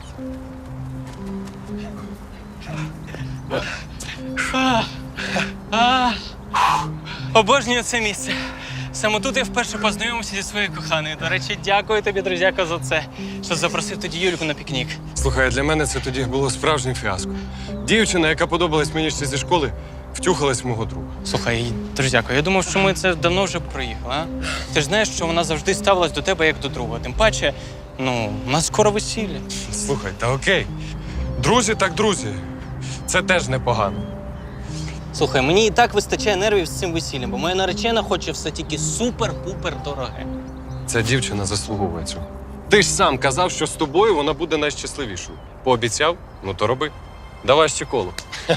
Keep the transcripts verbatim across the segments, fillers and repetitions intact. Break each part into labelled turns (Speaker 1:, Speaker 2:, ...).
Speaker 1: Обожнюю це місце. Саме тут я вперше познайомився зі своєю коханою. До речі, дякую тобі, друзяко, за це, що запросив тоді Юльку на пікнік.
Speaker 2: Слухай, для мене це тоді було справжнім фіаско. Дівчина, яка подобалась мені ще зі школи, втюхалась в мого друга.
Speaker 1: Слухай, друзяко, я думав, що ми це давно вже проїхали, а? Ти ж знаєш, що вона завжди ставилась до тебе як до друга. Тим паче, ну, у нас скоро весілля.
Speaker 2: Слухай, та окей. Друзі так друзі. Це теж непогано.
Speaker 1: Слухай, мені і так вистачає нервів з цим весіллям, бо моя наречена хоче все тільки супер-пупер дороге.
Speaker 2: Ця дівчина заслуговує цього. Ти ж сам казав, що з тобою вона буде найщасливішою. Пообіцяв? Ну то роби. Давай ще коло.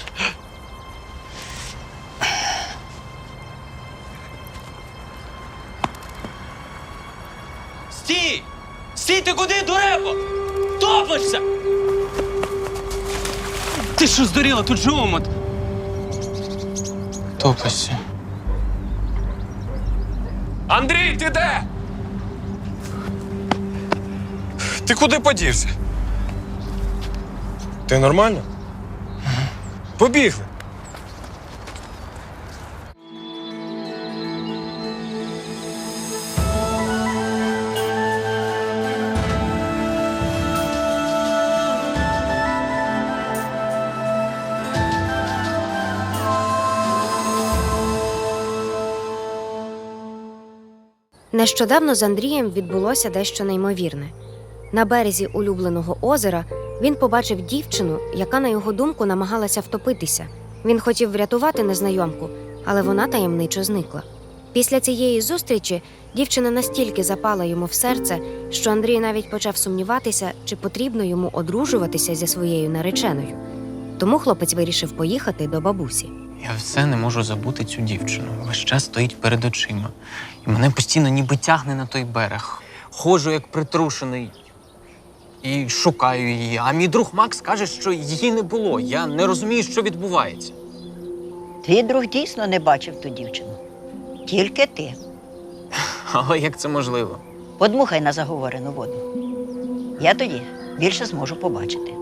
Speaker 1: Стій! Стій, ти куди, дурепо? Топишся! Ти що здуріла? Тут же омут. Топишся.
Speaker 2: Андрій, ти де? Ти куди подівся? Ти нормально? Побігли.
Speaker 3: Нещодавно з Андрієм відбулося дещо неймовірне. На березі улюбленого озера він побачив дівчину, яка, на його думку, намагалася втопитися. Він хотів врятувати незнайомку, але вона таємничо зникла. Після цієї зустрічі дівчина настільки запала йому в серце, що Андрій навіть почав сумніватися, чи потрібно йому одружуватися зі своєю нареченою. Тому хлопець вирішив поїхати до бабусі.
Speaker 1: Я все не можу забути цю дівчину. Весь час стоїть перед очима. І мене постійно ніби тягне на той берег. Ходжу як притрушений і шукаю її. А мій друг Макс каже, що її не було. Я не розумію, що відбувається.
Speaker 4: Твій друг дійсно не бачив ту дівчину. Тільки ти.
Speaker 1: Але як це можливо?
Speaker 4: Подмухай на заговорену воду. Я тоді більше зможу побачити.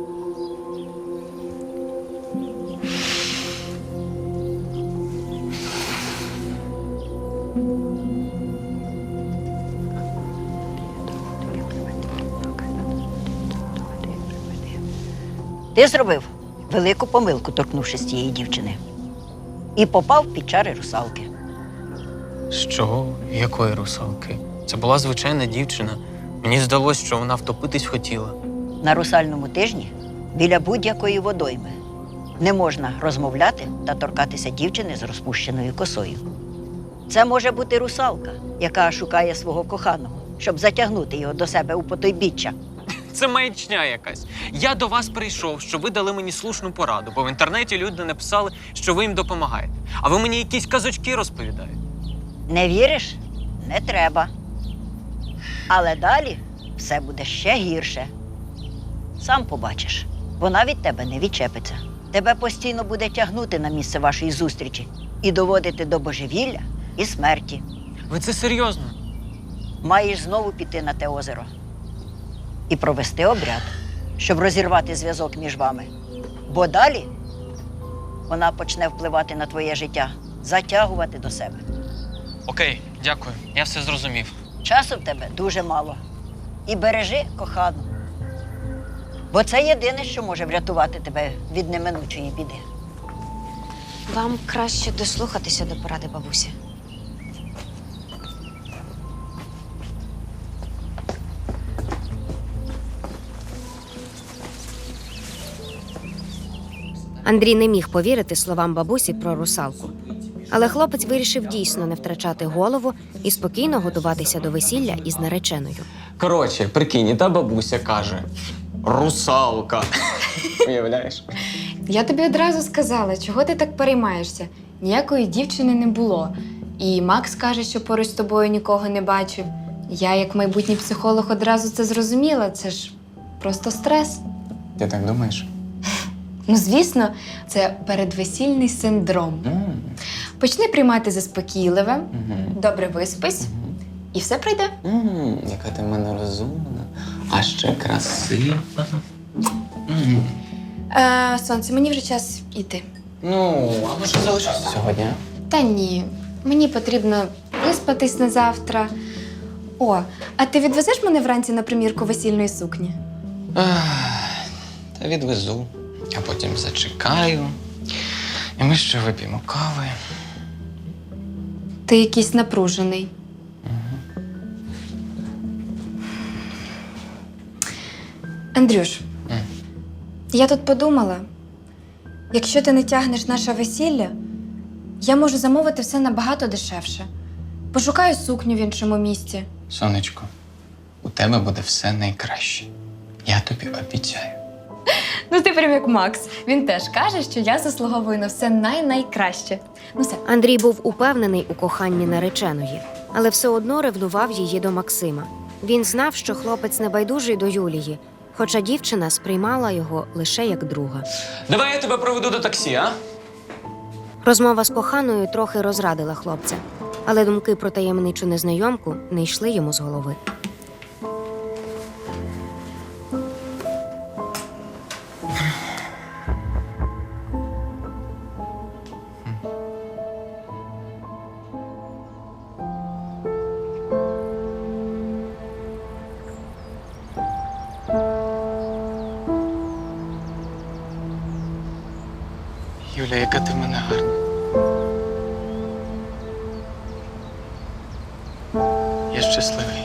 Speaker 4: Ти зробив велику помилку, торкнувшись цієї дівчини. І попав під чари русалки.
Speaker 1: Що? Якої русалки? Це була звичайна дівчина. Мені здалося, що вона втопитись хотіла.
Speaker 4: На русальному тижні біля будь-якої водойми не можна розмовляти та торкатися дівчини з розпущеною косою. Це може бути русалка, яка шукає свого коханого, щоб затягнути його до себе у потойбіччя.
Speaker 1: Це маячня якась. Я до вас прийшов, щоб ви дали мені слушну пораду, бо в інтернеті люди написали, що ви їм допомагаєте. А ви мені якісь казочки розповідаєте.
Speaker 4: Не віриш? Не треба. Але далі все буде ще гірше. Сам побачиш, вона від тебе не відчепиться. Тебе постійно буде тягнути на місце вашої зустрічі і доводити до божевілля і смерті.
Speaker 1: Ви це серйозно?
Speaker 4: Маєш знову піти на те озеро і провести обряд, щоб розірвати зв'язок між вами. Бо далі вона почне впливати на твоє життя, затягувати до себе.
Speaker 1: Окей, дякую. Я все зрозумів.
Speaker 4: Часу в тебе дуже мало. І бережи кохану. Бо це єдине, що може врятувати тебе від неминучої біди.
Speaker 3: Вам краще дослухатися до поради бабусі. Андрій не міг повірити словам бабусі про русалку. Але хлопець вирішив дійсно не втрачати голову і спокійно готуватися до весілля із нареченою.
Speaker 1: Коротше, прикинь, і та бабуся каже: русалка. Уявляєш?
Speaker 5: Я тобі одразу сказала, чого ти так переймаєшся. Ніякої дівчини не було. І Макс каже, що поруч з тобою нікого не бачив. Я, як майбутній психолог, одразу це зрозуміла. Це ж просто стрес.
Speaker 1: Ти так думаєш?
Speaker 5: Ну, звісно, це передвесільний синдром.
Speaker 1: Mm.
Speaker 5: Почни приймати заспокійливе,
Speaker 1: Mm-hmm.
Speaker 5: добре виспись,
Speaker 1: Mm-hmm.
Speaker 5: і все пройде.
Speaker 1: Mm, яка ти в мене розумна, а ще красива.
Speaker 5: Е, сонце, мені вже час іти.
Speaker 1: Ну, а може залишитися сьогодні? а?
Speaker 5: Та ні, мені потрібно виспатись на завтра. О, а ти відвезеш мене вранці на примірку весільної сукні?
Speaker 1: Ах, Та відвезу, а потім зачекаю. І ми ще вип'ємо кави.
Speaker 5: Ти якийсь напружений. Андрюш,
Speaker 1: М.
Speaker 5: я тут подумала, якщо ти не тягнеш наше весілля, я можу замовити все набагато дешевше. Пошукаю сукню в іншому місці.
Speaker 1: Сонечко, у тебе буде все найкраще. Я тобі обіцяю.
Speaker 5: Ну ти прям як Макс. Він теж каже, що я заслуговую на все най-найкраще. Ну все.
Speaker 3: Андрій був упевнений у коханні нареченої, але все одно ревнував її до Максима. Він знав, що хлопець небайдужий до Юлії, хоча дівчина сприймала його лише як друга.
Speaker 1: Давай я тебе проведу до таксі, а?
Speaker 3: Розмова з коханою трохи розрадила хлопця, але думки про таємничу незнайомку не йшли йому з голови.
Speaker 1: Юля, яка ти в мене гарна. Я щасливий.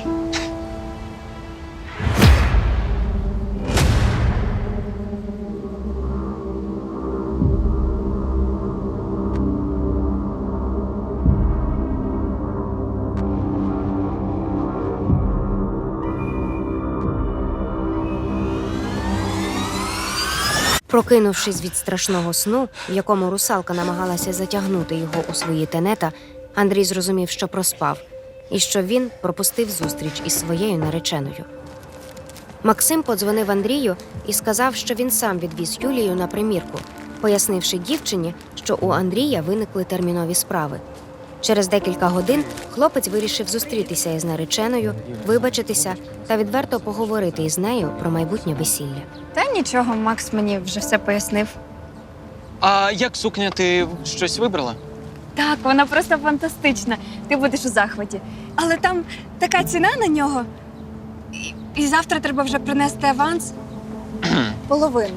Speaker 3: Прокинувшись від страшного сну, в якому русалка намагалася затягнути його у свої тенета, Андрій зрозумів, що проспав, і що він пропустив зустріч із своєю нареченою. Максим подзвонив Андрію і сказав, що він сам відвіз Юлію на примірку, пояснивши дівчині, що у Андрія виникли термінові справи. Через декілька годин хлопець вирішив зустрітися із нареченою, вибачитися та відверто поговорити із нею про майбутнє весілля.
Speaker 5: Та нічого, Макс мені вже все пояснив.
Speaker 1: А як сукня, ти щось вибрала?
Speaker 6: Так, вона просто фантастична. Ти будеш у захваті. Але там така ціна на нього. І, і завтра треба вже принести аванс половину.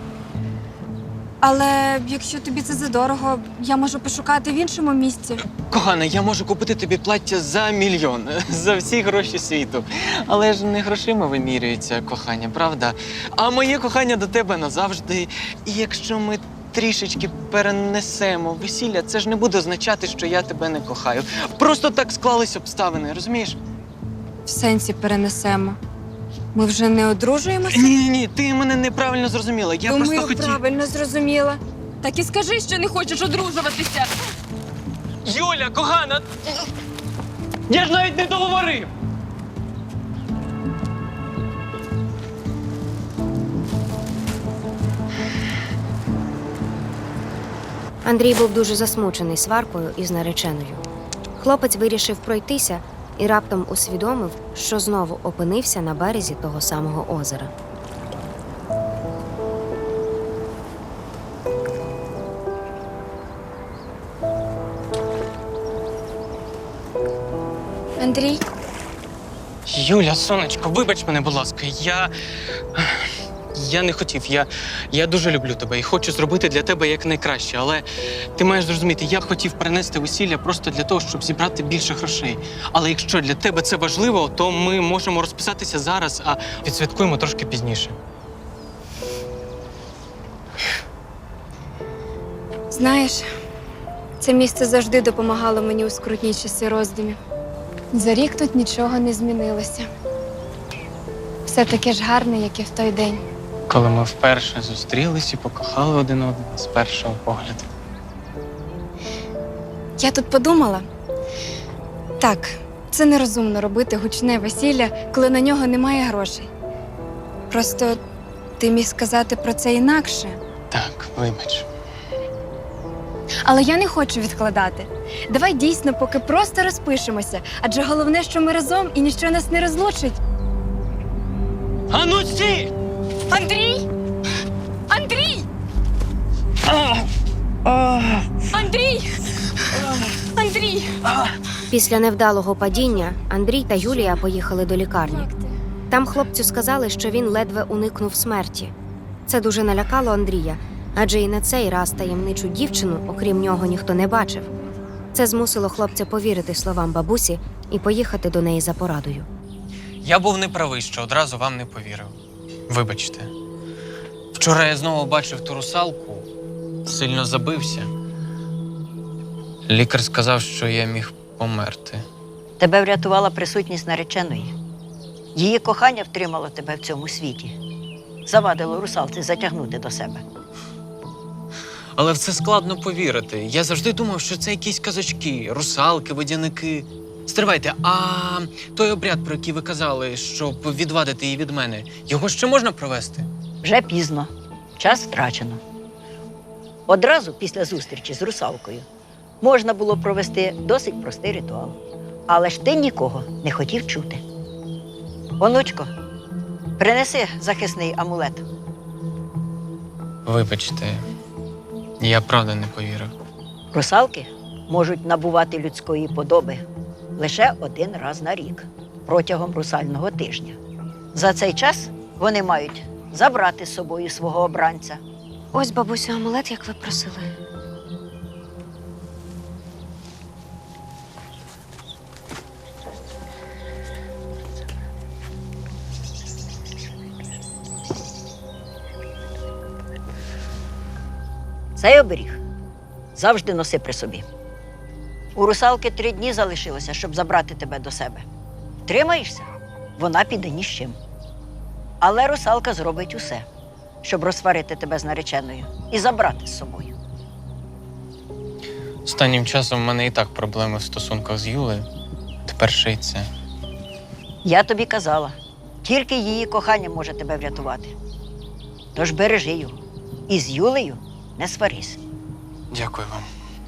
Speaker 6: Але якщо тобі це задорого, я можу пошукати в іншому місці.
Speaker 1: Кохана, я можу купити тобі плаття за мільйон, за всі гроші світу. Але ж не грошима вимірюється кохання, правда? А моє кохання до тебе назавжди. І якщо ми трішечки перенесемо весілля, це ж не буде означати, що я тебе не кохаю. Просто так склались обставини, розумієш?
Speaker 6: В сенсі перенесемо. Ми вже не одружуємося?
Speaker 1: Ні, ні, ти мене неправильно зрозуміла. Я
Speaker 6: Думаю,
Speaker 1: просто хотів.
Speaker 6: правильно зрозуміла. Так і скажи, що не хочеш одружуватися.
Speaker 1: Юля, кохана! Я ж навіть не договорив!
Speaker 3: Андрій був дуже засмучений сваркою із нареченою. Хлопець вирішив пройтися і раптом усвідомив, що знову опинився на березі того самого озера.
Speaker 6: Андрій,
Speaker 1: Юля, сонечко, вибач мене, будь ласка. Я. Я не хотів. Я, я дуже люблю тебе і хочу зробити для тебе якнайкраще. Але ти маєш зрозуміти, я хотів перенести весілля просто для того, щоб зібрати більше грошей. Але якщо для тебе це важливо, то ми можемо розписатися зараз, а відсвяткуємо трошки пізніше.
Speaker 6: знаєш, це місце завжди допомагало мені у скрутні часи роздумів. За рік тут нічого не змінилося. Все таке ж гарне, як і в той день.
Speaker 1: Коли ми вперше зустрілись і покохали один одного з першого погляду.
Speaker 6: Я тут подумала. Так, це нерозумно робити гучне весілля, коли на нього немає грошей. Просто ти міг сказати про це інакше.
Speaker 1: Так, вибач.
Speaker 6: Але я не хочу відкладати. Давай дійсно поки просто розпишемося, адже головне, що ми разом і ніщо нас не розлучить.
Speaker 1: А ну стій!
Speaker 6: Андрій! Андрій! Андрій! Андрій!
Speaker 3: Після невдалого падіння Андрій та Юлія поїхали до лікарні. Там хлопцю сказали, що він ледве уникнув смерті. Це дуже налякало Андрія, адже і на цей раз таємничу дівчину, окрім нього, ніхто не бачив. Це змусило хлопця повірити словам бабусі і поїхати до неї за порадою.
Speaker 1: Я був неправий, що одразу вам не повірив. Вибачте. Вчора я знову бачив ту русалку, сильно забився. Лікар сказав, що я міг померти.
Speaker 4: Тебе врятувала присутність нареченої. Її кохання втримало тебе в цьому світі. Завадило русалці затягнути до себе.
Speaker 1: Але в це складно повірити. Я завжди думав, що це якісь казочки, русалки, водяники. Стривайте, а той обряд, про який ви казали, щоб відвадити її від мене, його ще можна провести?
Speaker 4: Вже пізно, час втрачено. Одразу після зустрічі з русалкою можна було провести досить простий ритуал. Але ж ти нікого не хотів чути. Онучко, принеси захисний амулет.
Speaker 1: Вибачте, я правда не повірив.
Speaker 4: Русалки можуть набувати людської подоби лише один раз на рік, протягом русального тижня. За цей час вони мають забрати з собою свого обранця.
Speaker 3: Ось, бабусю, амулет, як ви просили.
Speaker 4: Цей оберіг завжди носи при собі. У русалки три дні залишилося, щоб забрати тебе до себе. Тримаєшся, вона піде ні з чим. Але русалка зробить усе, щоб розсварити тебе з нареченою і забрати з собою.
Speaker 1: Останнім часом в мене і так проблеми в стосунках з Юлею. Тепер ще й це.
Speaker 4: Я тобі казала, тільки її кохання може тебе врятувати. Тож бережи його. І з Юлею не сварись.
Speaker 1: Дякую вам.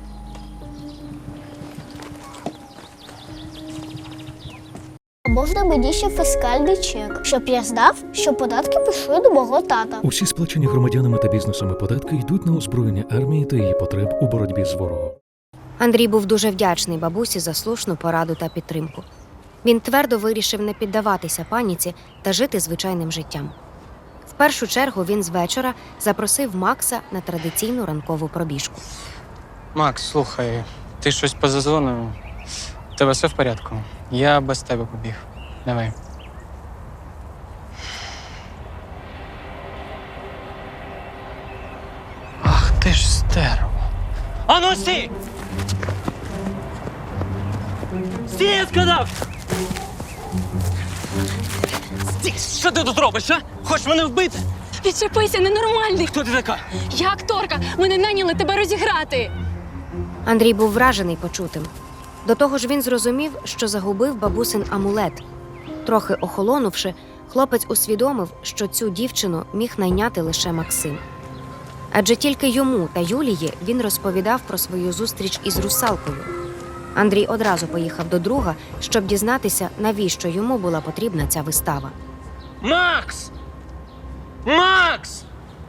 Speaker 7: А можна мені ще фіскальний чек, щоб я знав, що податки пішли до мого тата.
Speaker 8: Усі сплачені громадянами та бізнесами податки йдуть на озброєння армії та її потреб у боротьбі з ворогом.
Speaker 3: Андрій був дуже вдячний бабусі за слушну пораду та підтримку. Він твердо вирішив не піддаватися паніці та жити звичайним життям. В першу чергу він з вечора запросив Макса на традиційну ранкову пробіжку.
Speaker 1: Макс, слухай, ти щось поза зоною? У тебе все в порядку? Я без тебе побіг. Давай. Ах ти ж стерво. Ану стій! Стій, я сказав! Стій! Що ти тут робиш, а? Хочеш мене вбити?
Speaker 6: Відчепися, ненормальний!
Speaker 1: Хто ти така?
Speaker 6: Я акторка! Мене наняли тебе розіграти!
Speaker 3: Андрій був вражений почутим. До того ж він зрозумів, що загубив бабусин амулет. Трохи охолонувши, хлопець усвідомив, що цю дівчину міг найняти лише Максим. Адже тільки йому та Юлії він розповідав про свою зустріч із русалкою. Андрій одразу поїхав до друга, щоб дізнатися, навіщо йому була потрібна ця вистава.
Speaker 1: Макс! Макс!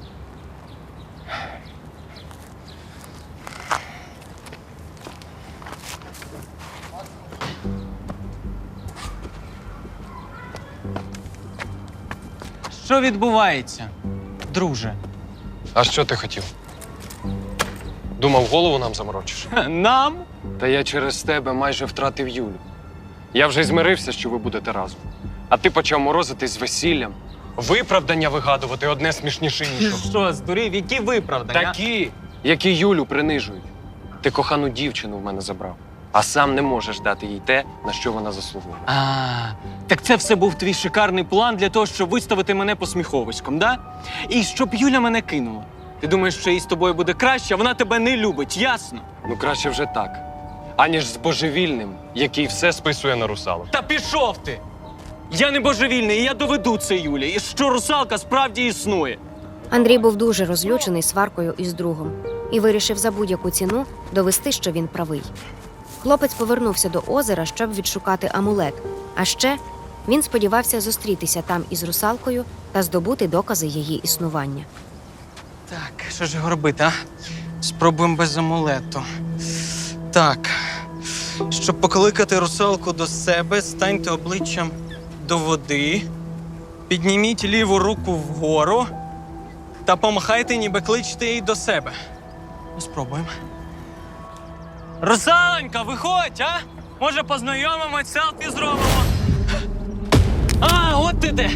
Speaker 1: Що відбувається, друже?
Speaker 2: А що ти хотів? Думав, голову нам заморочиш?
Speaker 1: Нам?
Speaker 2: Та я через тебе майже втратив Юлю. Я вже змирився, що ви будете разом. А ти почав морозитись з весіллям. Виправдання вигадувати одне смішніше іншого.
Speaker 1: Що, здурів? Які виправдання?
Speaker 2: Такі, які Юлю принижують. Ти кохану дівчину в мене забрав, а сам не можеш дати їй те, на що вона заслуговує.
Speaker 1: А, так це все був твій шикарний план для того, щоб виставити мене посміховиськом, да? І щоб Юля мене кинула. Ти думаєш, що їй з тобою буде краще, а вона тебе не любить, ясно?
Speaker 2: Ну краще вже так, аніж з божевільним, який все списує на русалок.
Speaker 1: Та пішов ти! Я не божевільний, і я доведу це Юлі, і що русалка справді існує.
Speaker 3: Андрій був дуже розлючений сваркою із другом і вирішив за будь-яку ціну довести, що він правий. Хлопець повернувся до озера, щоб відшукати амулет, а ще Він сподівався зустрітися там із русалкою та здобути докази її існування.
Speaker 1: Так, що ж його робити, а? Спробуємо без амулету. Так. Щоб покликати русалку до себе, станьте обличчям до води, підніміть ліву руку вгору та помахайте, ніби кличете її до себе. Ну, спробуємо. Русалонька, виходь, а? Може, познайомимось, селфі зробимо? А, от ти де!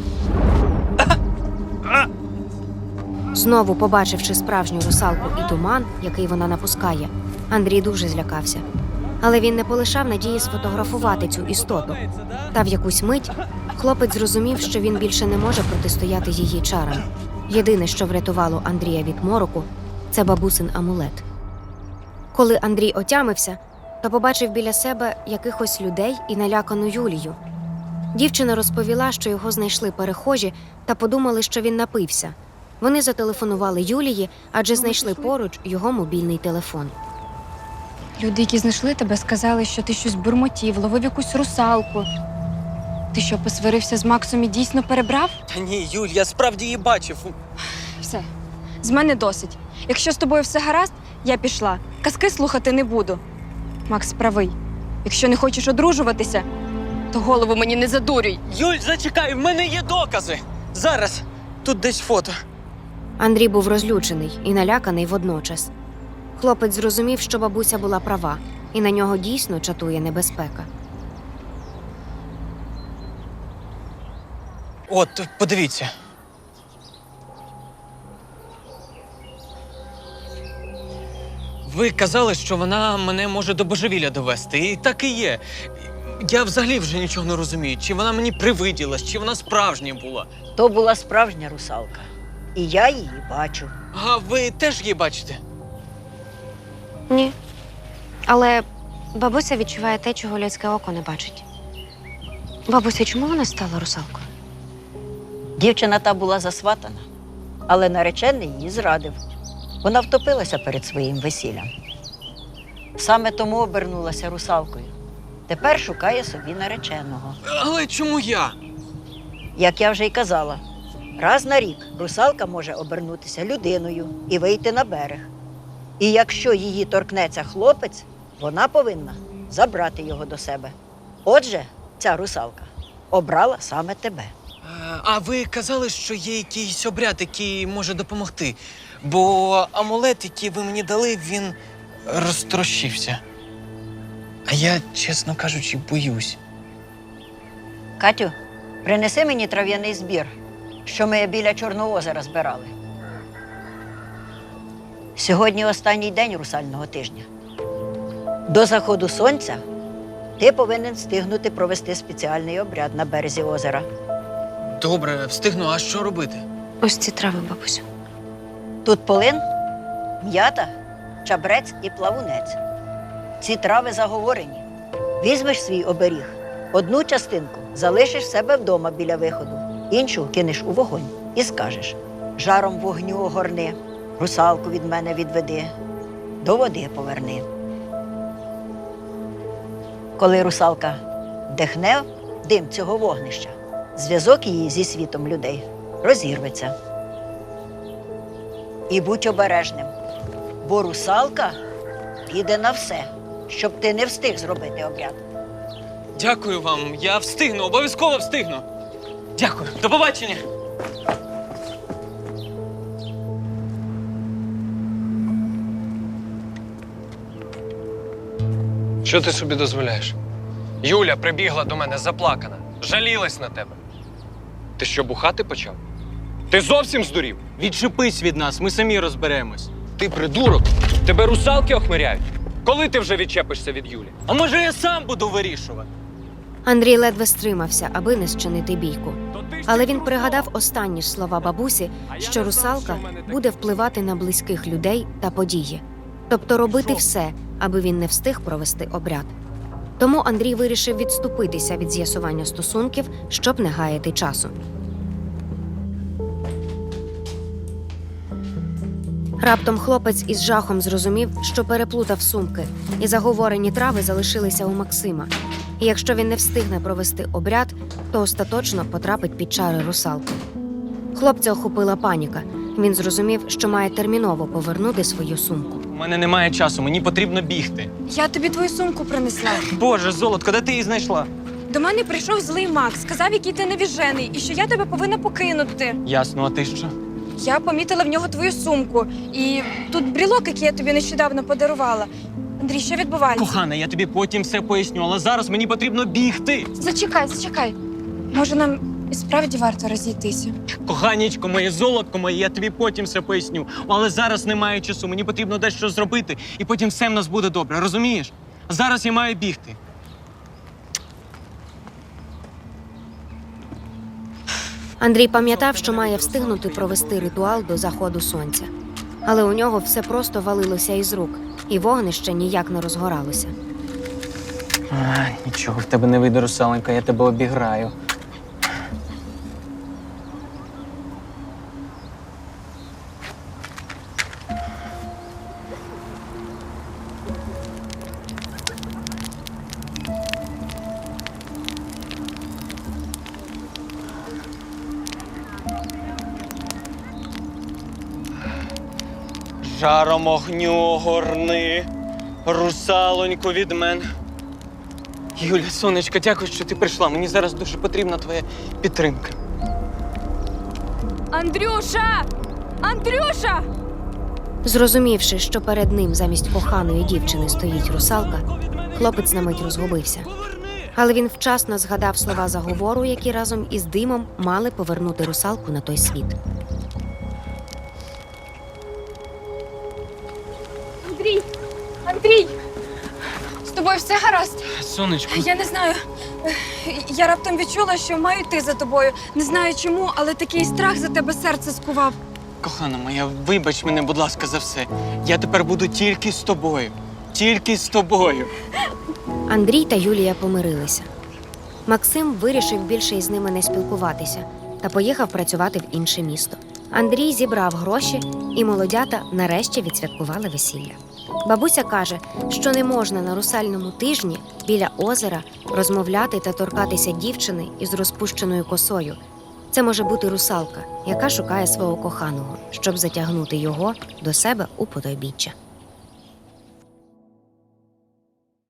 Speaker 3: Знову побачивши справжню русалку і туман, який вона напускає, Андрій дуже злякався. Але він не полишав надії сфотографувати цю істоту. Та в якусь мить хлопець зрозумів, що він більше не може протистояти її чарам. Єдине, що врятувало Андрія від мороку, це бабусин амулет. Коли Андрій отямився, то побачив біля себе якихось людей і налякану Юлію. Дівчина розповіла, що його знайшли перехожі та подумали, що він напився. Вони зателефонували Юлії, адже знайшли поруч його мобільний телефон.
Speaker 6: Люди, які знайшли тебе, сказали, що ти щось бурмотів, ловив якусь русалку. Ти що, посварився з Максом і дійсно перебрав?
Speaker 1: Та ні, Юль, я справді її бачив.
Speaker 6: Все, з мене досить. Якщо з тобою все гаразд, я пішла. Казки слухати не буду. Макс правий. Якщо не хочеш одружуватися, то голову мені не задурюй.
Speaker 1: Юль, зачекай, в мене є докази. Зараз. Тут десь фото.
Speaker 3: Андрій був розлючений і наляканий водночас. Хлопець зрозумів, що бабуся була права, і на нього дійсно чатує небезпека.
Speaker 1: От, подивіться. Ви казали, що вона мене може до божевілля довести, і так і є. Я взагалі вже нічого не розумію, чи вона мені привиділась, чи вона справжня була.
Speaker 4: То була справжня русалка. І я її бачу.
Speaker 1: А ви теж її бачите?
Speaker 3: Ні. Але бабуся відчуває те, чого людське око не бачить. Бабуся, чому вона стала русалкою?
Speaker 4: Дівчина та була засватана, але наречений її зрадив. Вона втопилася перед своїм весіллям. Саме тому обернулася русалкою. Тепер шукає собі нареченого.
Speaker 1: Але чому я?
Speaker 4: Як я вже й казала, раз на рік русалка може обернутися людиною і вийти на берег. І якщо її торкнеться хлопець, вона повинна забрати його до себе. Отже, ця русалка обрала саме тебе.
Speaker 1: А, А ви казали, що є якийсь обряд, який може допомогти. Бо амулет, який ви мені дали, він розтрощився. А я, чесно кажучи, боюсь.
Speaker 4: Катю, принеси мені трав'яний збір, що ми біля Чорного озера збирали. Сьогодні останній день русального тижня. До заходу сонця ти повинен встигнути провести спеціальний обряд на березі озера.
Speaker 1: Добре, встигну, а що робити?
Speaker 3: Ось ці трави, бабусю.
Speaker 4: Тут полин, м'ята, чабрець і плавунець. Ці трави заговорені. Візьмеш свій оберіг, одну частинку залишиш в себе вдома біля виходу, іншу кинеш у вогонь і скажеш: жаром вогню огорни, русалку від мене відведи, до води поверни. Коли русалка вдихне дим цього вогнища, зв'язок її зі світом людей розірветься. І будь обережним, бо русалка піде на все, щоб ти не встиг зробити обряд.
Speaker 1: Дякую вам, я встигну, обов'язково встигну. Дякую, до побачення.
Speaker 2: Що ти собі дозволяєш? Юля прибігла до мене заплакана, жалілась на тебе. Ти що, бухати почав? Ти зовсім здурів?
Speaker 1: Відчепись від нас, ми самі розберемось.
Speaker 2: Ти придурок? Тебе русалки охмиряють? Коли ти вже відчепишся від Юлі?
Speaker 1: А може я сам буду вирішувати?
Speaker 3: Андрій ледве стримався, аби не зчинити бійку.
Speaker 2: То ти ж
Speaker 3: Але
Speaker 2: тільки
Speaker 3: він пригадав
Speaker 2: русалка.
Speaker 3: останні ж слова бабусі,
Speaker 2: А я
Speaker 3: що
Speaker 2: не знав,
Speaker 3: русалка
Speaker 2: що в мене таке.
Speaker 3: буде впливати на близьких людей та події. Тобто робити все, аби він не встиг провести обряд. Тому Андрій вирішив відступитися від з'ясування стосунків, щоб не гаяти часу. Раптом хлопець із жахом зрозумів, що переплутав сумки, і заговорені трави залишилися у Максима. І якщо він не встигне провести обряд, то остаточно потрапить під чари русалки. Хлопця охопила паніка. Він зрозумів, що має терміново повернути свою сумку.
Speaker 1: У мене немає часу, мені потрібно бігти.
Speaker 6: Я тобі твою сумку принесла.
Speaker 1: Боже, золотко, де ти її знайшла?
Speaker 6: До мене прийшов злий Макс, сказав, який ти невіжений, і що я тебе повинна покинути.
Speaker 1: Ясно, а ти що?
Speaker 6: Я помітила в нього твою сумку. І тут брілок, який я тобі нещодавно подарувала. Андрій, що відбувається?
Speaker 1: Кохана, я тобі потім все поясню, але зараз мені потрібно бігти.
Speaker 6: Зачекай, зачекай. Може, нам і справді варто розійтися?
Speaker 1: Коханічко моє, золотко моє, я тобі потім все поясню. Але зараз немає часу, мені потрібно дещо зробити, і потім все в нас буде добре, розумієш? Зараз я маю бігти.
Speaker 3: Андрій пам'ятав, що має встигнути провести ритуал до заходу сонця. Але у нього все просто валилося із рук, і вогнище ніяк не розгоралося.
Speaker 1: А, нічого, в тебе не вийде, русаленька, я тебе обіграю. Жаром огню горни, русалоньку від мене. Юля, сонечко, дякую, що ти прийшла. Мені зараз дуже потрібна твоя підтримка.
Speaker 6: Андрюша! Андрюша!
Speaker 3: Зрозумівши, що перед ним замість коханої дівчини стоїть русалка, хлопець на мить розгубився. Але він вчасно згадав слова заговору, які разом із димом мали повернути русалку на той світ.
Speaker 6: Андрій! Андрій! З тобою все гаразд?
Speaker 1: Сонечко,
Speaker 6: Я не знаю. Я раптом відчула, що маю йти за тобою. Не знаю чому, але такий страх за тебе серце скував.
Speaker 1: кохана моя, вибач мене, будь ласка, за все. Я тепер буду тільки з тобою. Тільки з тобою.
Speaker 3: Андрій та Юлія помирилися. Максим вирішив більше із ними не спілкуватися та поїхав працювати в інше місто. Андрій зібрав гроші, і молодята нарешті відсвяткували весілля. Бабуся каже, що не можна на русальному тижні біля озера розмовляти та торкатися дівчини із розпущеною косою. Це може бути русалка, яка шукає свого коханого, щоб затягнути його до себе у потойбіччя.